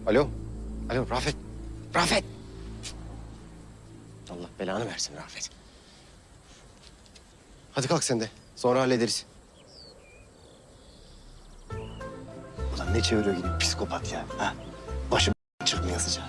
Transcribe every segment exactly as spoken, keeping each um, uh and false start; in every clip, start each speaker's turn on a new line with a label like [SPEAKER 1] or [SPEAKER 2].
[SPEAKER 1] Alo. Alo Rafet. Rafet. Allah belanı versin Rafet. Hadi kalk sen de. Sonra hallederiz. Ulan ne çeviriyor gibi psikopat ya. Ha? Başım çıkmıyor sıcağı.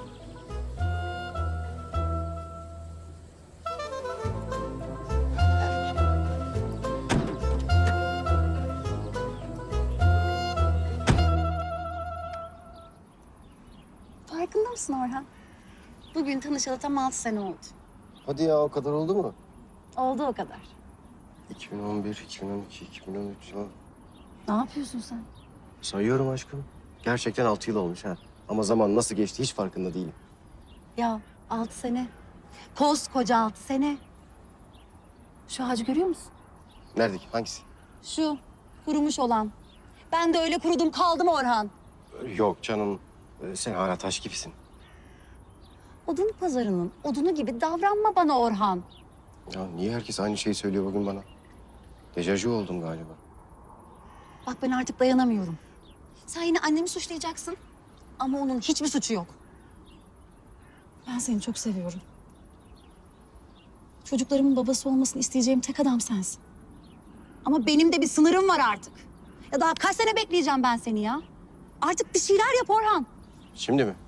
[SPEAKER 2] Farkında mısın Orhan? Bugün tanışalı tam altı sene oldu.
[SPEAKER 1] Hadi ya o kadar oldu mu?
[SPEAKER 2] Oldu o kadar.
[SPEAKER 1] iki bin on bir, iki bin on iki, iki bin on üç. Ya.
[SPEAKER 2] Ne yapıyorsun sen?
[SPEAKER 1] Sayıyorum aşkım. Gerçekten altı yıl olmuş ha. Ama zaman nasıl geçti hiç farkında değilim.
[SPEAKER 2] Ya altı sene. Koskoca altı sene. Şu ağacı görüyor musun?
[SPEAKER 1] Nerede ki? Hangisi?
[SPEAKER 2] Şu kurumuş olan. Ben de öyle kurudum kaldım Orhan.
[SPEAKER 1] Yok canım. Ee, Sen hala taş gibisin.
[SPEAKER 2] Odun pazarının odunu gibi davranma bana Orhan.
[SPEAKER 1] Ya niye herkes aynı şeyi söylüyor bugün bana? Dejavu oldum galiba.
[SPEAKER 2] Bak ben artık dayanamıyorum. Sen yine annemi suçlayacaksın. Ama onun hiçbir suçu yok. Ben seni çok seviyorum. Çocuklarımın babası olmasını isteyeceğim tek adam sensin. Ama benim de bir sınırım var artık. Ya daha kaç sene bekleyeceğim ben seni ya? Artık bir şeyler yap Orhan.
[SPEAKER 1] Şimdi mi?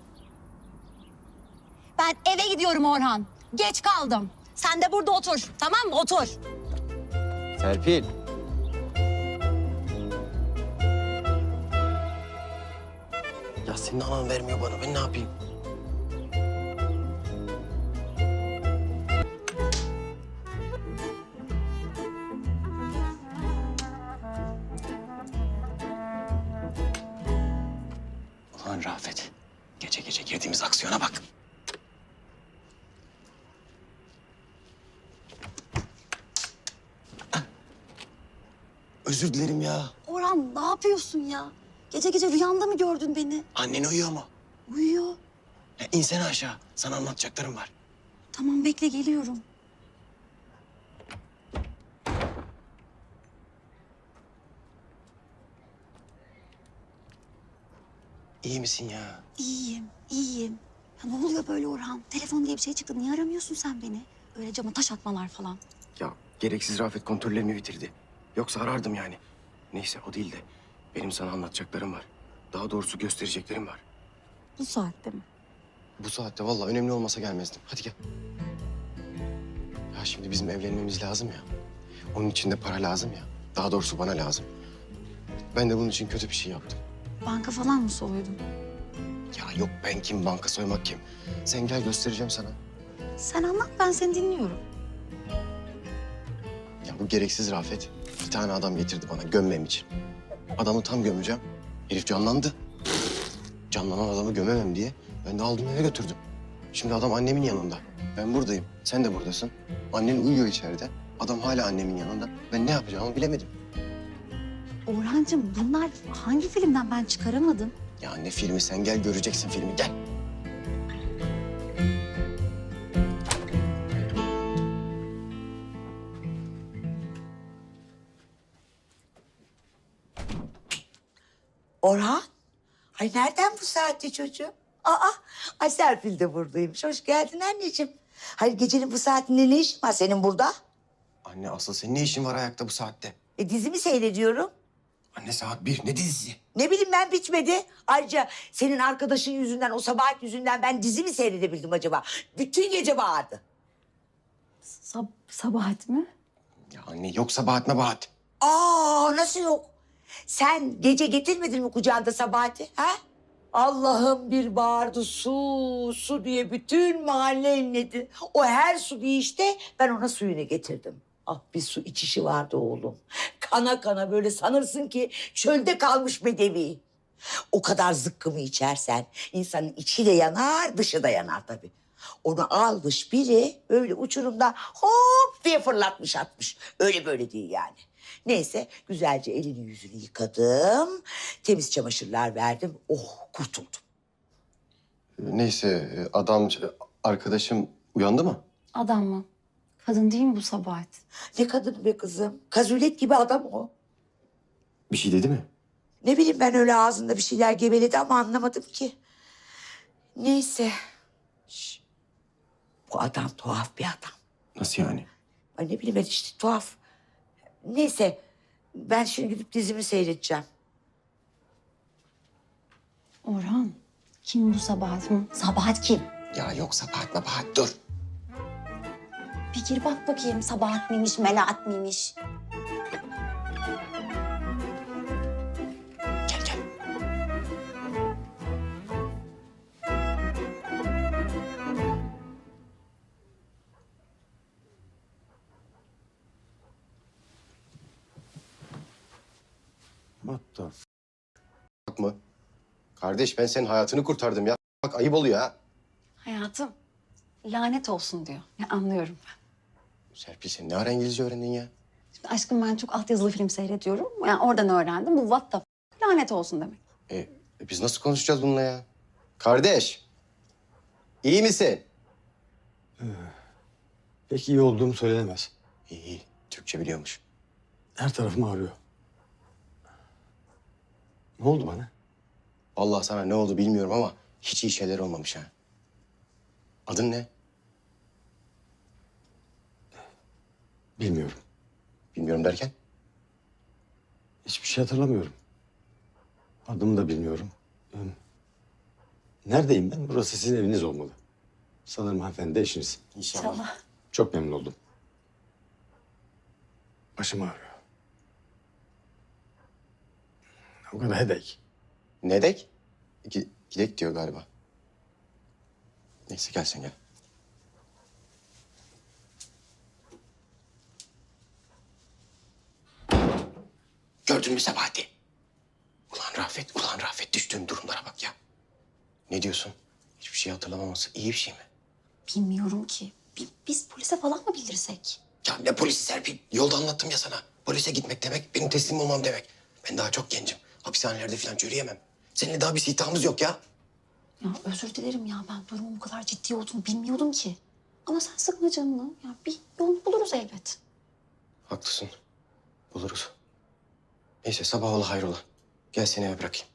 [SPEAKER 2] Ben eve gidiyorum Orhan. Geç kaldım. Sen de burada otur. Tamam mı? Otur.
[SPEAKER 1] Serpil. Ya senin anan vermiyor bana. Ben ne yapayım? Ulan Rafet. Gece gece girdiğimiz aksiyona bak. Özür dilerim ya.
[SPEAKER 2] Orhan ne yapıyorsun ya? Gece gece rüyanda mı gördün beni?
[SPEAKER 1] Annen uyuyor mu?
[SPEAKER 2] Uyuyor.
[SPEAKER 1] Ya insene aşağı. Sana anlatacaklarım var.
[SPEAKER 2] Tamam bekle geliyorum.
[SPEAKER 1] İyi misin ya?
[SPEAKER 2] İyiyim, iyiyim. Ya ne oluyor böyle Orhan? Telefon diye bir şey çıktı. Niye aramıyorsun sen beni? Öyle cama taş atmalar falan.
[SPEAKER 1] Ya gereksiz Rafet kontrollerimi bitirdi. Yoksa arardım yani. Neyse o değil de benim sana anlatacaklarım var. Daha doğrusu göstereceklerim var.
[SPEAKER 2] Bu saatte mi?
[SPEAKER 1] Bu saatte vallahi önemli olmasa gelmezdim. Hadi gel. Ya şimdi bizim evlenmemiz lazım ya. Onun için de para lazım ya. Daha doğrusu bana lazım. Ben de bunun için kötü bir şey yaptım.
[SPEAKER 2] Banka falan mı soydun?
[SPEAKER 1] Ya yok ben kim, banka soymak kim? Sen gel göstereceğim sana.
[SPEAKER 2] Sen anlat ben seni dinliyorum.
[SPEAKER 1] Ya bu gereksiz Rafet bir tane adam getirdi bana gömmem için. Adamı tam gömeceğim. Herif canlandı. Canlanan adamı gömemem diye ben de aldım eve götürdüm. Şimdi adam annemin yanında. Ben buradayım. Sen de buradasın. Annen uyuyor içeride. Adam hala annemin yanında. Ben ne yapacağımı bilemedim.
[SPEAKER 2] Orhancığım bunlar hangi filmden ben çıkaramadım?
[SPEAKER 1] Ya ne filmi, sen gel göreceksin filmi, gel.
[SPEAKER 3] Orhan? Ay nereden bu saatte çocuğum? Aa, ay Serpil de buradaymış. Hoş geldin anneciğim. Hayır gecenin bu saatinde ne işin var senin burada?
[SPEAKER 1] Anne asıl senin ne işin var ayakta bu saatte?
[SPEAKER 3] E dizimi seyrediyorum.
[SPEAKER 1] Anne saat bir, ne dizisi?
[SPEAKER 3] Ne bileyim ben bitmedi. Ayrıca senin arkadaşın yüzünden, o Sabahat yüzünden ben dizi mi seyredebildim acaba? Bütün gece bağırdı.
[SPEAKER 2] Sab Sabahat mi?
[SPEAKER 1] Ya anne yoksa Bahat mı Bahat?
[SPEAKER 3] Aa nasıl yok? Sen gece getirmedin mi kucağında Sabahat'i? Ha? Allah'ım bir bağırdı su, su diye bütün mahalle inledi. O her su bir işte ben ona suyunu getirdim. Ah bir su içişi vardı oğlum. Kana kana böyle sanırsın ki çölde kalmış bedevi. O kadar zıkkımı içersen insanın içi de yanar, dışı da yanar tabii. Onu almış biri böyle uçurumda hop diye fırlatmış atmış. Öyle böyle değil yani. Neyse güzelce elini yüzünü yıkadım. Temiz çamaşırlar verdim. Oh kurtuldum.
[SPEAKER 1] Neyse adam, arkadaşım uyandı mı?
[SPEAKER 2] Adam mı? Kadın değil mi bu Sabahat?
[SPEAKER 3] Ne kadın be kızım. Kazulet gibi adam o.
[SPEAKER 1] Bir şey dedi mi?
[SPEAKER 3] Ne bileyim ben öyle ağzında bir şeyler geveledi ama anlamadım ki. Neyse. Şş. Bu adam tuhaf bir adam.
[SPEAKER 1] Nasıl yani?
[SPEAKER 3] Ay ne bileyim ben işte tuhaf. Neyse ben şimdi gidip dizimi seyredeceğim.
[SPEAKER 2] Orhan, kim bu Sabahat? Hı? Sabahat kim?
[SPEAKER 1] Ya yok Sabahat Mabahat dur.
[SPEAKER 2] Bir gir bak bakayım Sabahat mıymış, Melahat mıymış?
[SPEAKER 1] Gel gel.
[SPEAKER 4] What the f-
[SPEAKER 1] Bak mı? Kardeş ben senin hayatını kurtardım ya. Bak ayıp oluyor ha.
[SPEAKER 2] Hayatım, lanet olsun diyor. Ya anlıyorum ben.
[SPEAKER 1] Serpil sen ne ara İngilizce öğrendin ya?
[SPEAKER 2] Şimdi aşkım ben çok altyazılı film seyrediyorum. Yani oradan öğrendim. Bu what the f- lanet olsun demek.
[SPEAKER 1] E, e, biz nasıl konuşacağız bununla ya? Kardeş. İyi misin?
[SPEAKER 4] Pek iyi olduğum söylenemez.
[SPEAKER 1] İyi iyi. Türkçe biliyormuş.
[SPEAKER 4] Her tarafım ağrıyor. Ne oldu bana?
[SPEAKER 1] Vallahi sana ne oldu bilmiyorum ama hiç iyi şeyler olmamış ha. Adın ne?
[SPEAKER 4] Bilmiyorum.
[SPEAKER 1] Bilmiyorum derken?
[SPEAKER 4] Hiçbir şey hatırlamıyorum. Adımı da bilmiyorum. Ee, Neredeyim ben? Burası sizin eviniz olmalı. Sanırım hanımefendi de eşiniz.
[SPEAKER 2] İnşallah.
[SPEAKER 4] Çok memnun oldum. Başım ağrıyor. O kadar headache.
[SPEAKER 1] Ne dek? Gi- Gidek diyor galiba. Neyse gel sen gel. Gördün mü Sebahati? Ulan Rafet, ulan Rafet düştüğün durumlara bak ya. Ne diyorsun? Hiçbir şey hatırlamaması iyi bir şey mi?
[SPEAKER 2] Bilmiyorum ki. Bi- Biz polise falan mı bildirsek?
[SPEAKER 1] Ya ne polisi Serpil? Yolda anlattım ya sana. Polise gitmek demek benim teslim olmam demek. Ben daha çok gencim. Hapishanelerde falan çürüyemem. Seninle daha bir sitamız yok ya.
[SPEAKER 2] Ya özür dilerim ya ben durumun bu kadar ciddi olduğunu bilmiyordum ki. Ama sen sıkma canını. Ya bir yolunu buluruz elbet.
[SPEAKER 1] Haklısın. Buluruz. Neyse sabah ola hayrola. Gel seni eve bırakayım.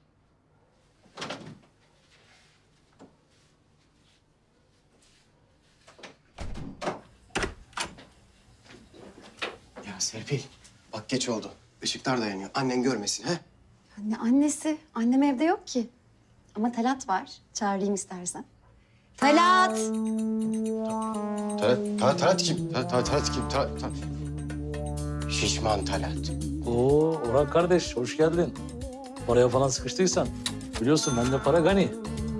[SPEAKER 1] Ya Serpil, bak geç oldu. Işıklar da yanıyor. Annen görmesin ha?
[SPEAKER 2] Anne annesi. Annem evde yok ki. Ama Talat var. Çağırayım istersen. Talat!
[SPEAKER 1] Talat, Talat, Talat kim? Talat, Talat, Talat kim? Talat, Talat. Şişman Talat.
[SPEAKER 5] Oo Orhan kardeş hoş geldin. Paraya falan sıkıştıysan biliyorsun bende para gani.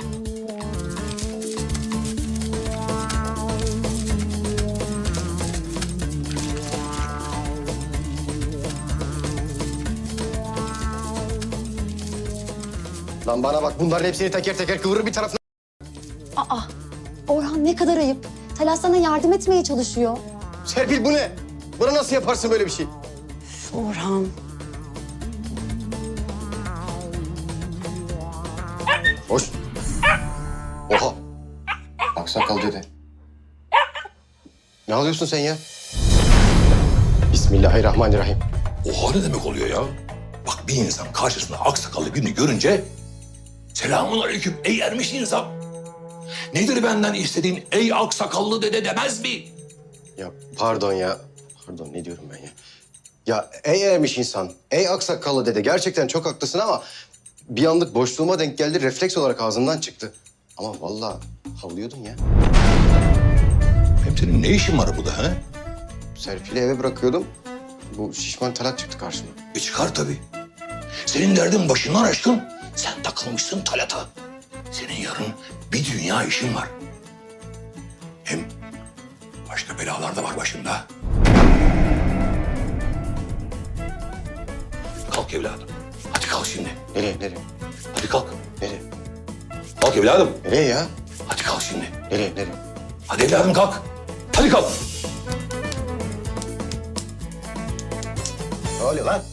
[SPEAKER 1] Lan bana bak bunların hepsini teker teker kıvırır bir tarafına.
[SPEAKER 2] Aa! Orhan ne kadar ayıp. Talat sana yardım etmeye çalışıyor.
[SPEAKER 1] Serpil bu ne? Bana nasıl yaparsın böyle bir şey?
[SPEAKER 2] Orhan.
[SPEAKER 1] Hoş. Oha. Aksakal dede. Ne alıyorsun sen ya? Bismillahirrahmanirrahim.
[SPEAKER 6] Oha ne demek oluyor ya? Bak bir insan karşısında aksakallı birini görünce... Selamun aleyküm ey ermiş insan. Nedir benden istediğin ey aksakallı dede demez mi?
[SPEAKER 1] Ya pardon ya. Pardon ne diyorum ben ya? Ya ey ermiş insan, ey aksakallı dede gerçekten çok haklısın ama... ...bir anlık boşluğuma denk geldi, refleks olarak ağzımdan çıktı. Ama vallahi havlıyordum ya.
[SPEAKER 6] Hem senin ne işin var burada ha?
[SPEAKER 1] Serpil'i eve bırakıyordum. Bu şişman Talat çıktı karşıma.
[SPEAKER 6] E çıkar tabii. Senin derdin başından aşkın. Sen takılmışsın Talat'a. Senin yarın bir dünya işin var. Hem başka belalar da var başında. Kalk evladım. Hadi kalk şimdi.
[SPEAKER 1] Nereye, nereye?
[SPEAKER 6] Hadi kalk.
[SPEAKER 1] Nereye?
[SPEAKER 6] Kalk evladım.
[SPEAKER 1] Nereye ya?
[SPEAKER 6] Hadi kalk şimdi.
[SPEAKER 1] Nereye, nereye?
[SPEAKER 6] Hadi evladım kalk. Hadi kalk.
[SPEAKER 1] Ne oluyor lan?